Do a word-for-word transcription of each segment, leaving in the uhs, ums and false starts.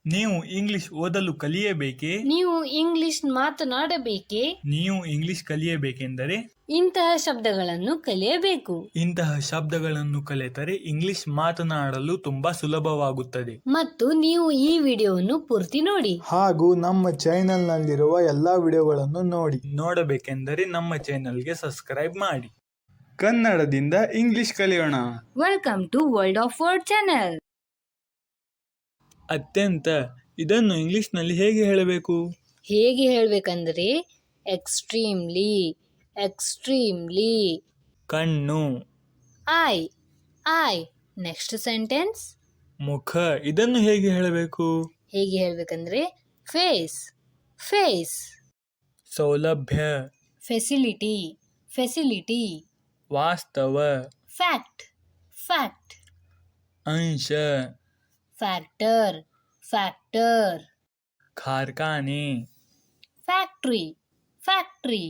ನೀವು ಇಂಗ್ಲಿಷ್ ಓದಲು ಕಲಿಯಬೇಕೇ? ನೀವು ಇಂಗ್ಲಿಷ್ ಮಾತನಾಡಬೇಕೇ? ನೀವು ಇಂಗ್ಲಿಷ್ ಕಲಿಯಬೇಕೆಂದರೆ ಇಂತಹ ಶಬ್ದಗಳನ್ನು ಕಲಿಯಬೇಕು. ಇಂತಹ ಶಬ್ದಗಳನ್ನು ಕಲಿತರೆ ಇಂಗ್ಲಿಷ್ ಮಾತನಾಡಲು ತುಂಬಾ ಸುಲಭವಾಗುತ್ತದೆ. ಮತ್ತು ನೀವು ಈ ವಿಡಿಯೋವನ್ನು ಪೂರ್ತಿ ನೋಡಿ. ಹಾಗೂ ನಮ್ಮ ಚಾನೆಲ್ ನಲ್ಲಿರುವ ಎಲ್ಲಾ ವಿಡಿಯೋಗಳನ್ನು ನೋಡಿ. ನೋಡಬೇಕೆಂದರೆ ನಮ್ಮ ಚಾನೆಲ್ಗೆ ಸಬ್ಸ್ಕ್ರೈಬ್ ಮಾಡಿ. ಕನ್ನಡದಿಂದ ಇಂಗ್ಲಿಷ್ ಕಲಿಯೋಣ. Welcome to world of word channel. ಅತ್ಯಂತ ಇದನ್ನು ಇಂಗ್ಲಿಷ್ನಲ್ಲಿ ಹೇಗೆ ಹೇಳಬೇಕು? ಹೇಗೆ ಹೇಳಬೇಕಂದ್ರೆ ಎಕ್ಸ್ಟ್ರೀಮ್ಲಿ, ಎಕ್ಸ್ಟ್ರೀಮ್ಲಿ. ಕಣ್ಣು, ಐ, ಐ. ನೆಕ್ಸ್ಟ್ ಸೆಂಟೆನ್ಸ್ ಮುಖ. ಇದನ್ನು ಹೇಗೆ ಹೇಳಬೇಕು? ಹೇಗೆ ಹೇಳಬೇಕಂದ್ರೆ ಫೇಸ್, ಫೇಸ್. ಸೌಲಭ್ಯ, ಫೆಸಿಲಿಟಿ, ಫೆಸಿಲಿಟಿ. ವಾಸ್ತವ, ಫ್ಯಾಕ್ಟ್, ಫ್ಯಾಕ್ಟ್. ಅಂಶ, ಫ್ಯಾಕ್ಟರ್, ಫ್ಯಾಕ್ಟರ್. ಕಾರ್ಖಾನೆ, ಫ್ಯಾಕ್ಟ್ರಿ, ಫ್ಯಾಕ್ಟ್ರಿ.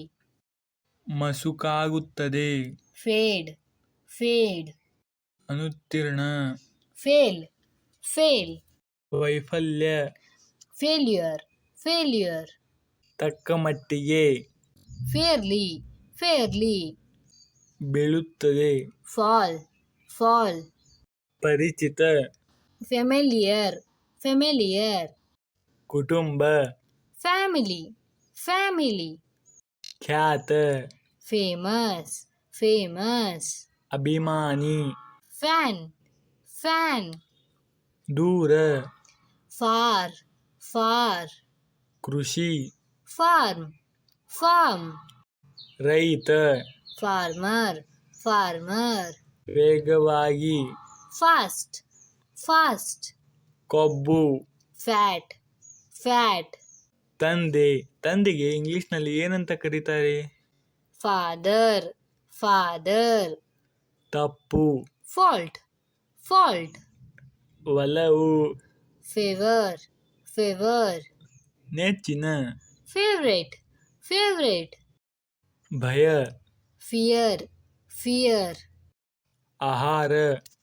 ಮಸುಕಾಗುತ್ತದೆ, ಫೇಡ್, ಫೇಡ್. ಅನುತ್ತೀರ್ಣ, ಫೇಲ್, ಫೇಲ್. ವೈಫಲ್ಯ, ಫೇಲ್ಯೂರ್, ಫೇಲ್ಯೂರ್. ತಕ್ಕ ಮಟ್ಟಿಗೆ, ಫೇರ್ಲಿ, ಫೇರ್ಲಿ. ಬೀಳುತ್ತದೆ, ಫಾಲ್, ಫಾಲ್. ಪರಿಚಿತ, ಫೆಮಿಲಿಯರ್, ಫೆಮಿಲಿಯರ್. ಕುಟುಂಬ, ಫ್ಯಾಮಿಲಿ, ಫ್ಯಾಮಿಲಿ. ಖ್ಯಾತ, ಫೇಮಸ್, ಫೇಮಸ್. ಅಭಿಮಾನಿ, ಫ್ಯಾನ್, ಫ್ಯಾನ್. ದೂರ, ಫಾರ್, ಫಾರ್. ಕೃಷಿ, ಫಾರ್ಮ್, ಫಾರ್ಮ್. ರೈತ, ಫಾರ್ಮರ್, ಫಾರ್ಮರ್. ವೇಗವಾಗಿ, ಫಾಸ್ಟ್, ಫಾಸ್ಟ್. ಕೊಬ್ಬು, ಫ್ಯಾಟ್, ಫ್ಯಾಟ್. ತಂದೆ. ತಂದೆಗೆ ಇಂಗ್ಲಿಷ್ನಲ್ಲಿ ಏನಂತ ಕರೀತಾರೆ? Father, father. ತಪ್ಪು, ಫಾಲ್ಟ್, ಫಾಲ್ಟ್. ಒಲವು, ಫೇವರ್, ಫೇವರ್. ನೆಚ್ಚಿನ, ಫೇವ್ರೇಟ್, ಫೇವ್ರೇಟ್. ಭಯ, ಫಿಯರ್, ಫಿಯರ್. ಆಹಾರ.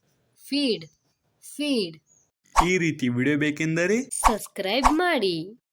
Feed, feed. ಈ ರೀತಿ ವಿಡಿಯೋ ಬೇಕೆಂದರೆ ಸಬ್ಸ್ಕ್ರೈಬ್ ಮಾಡಿ.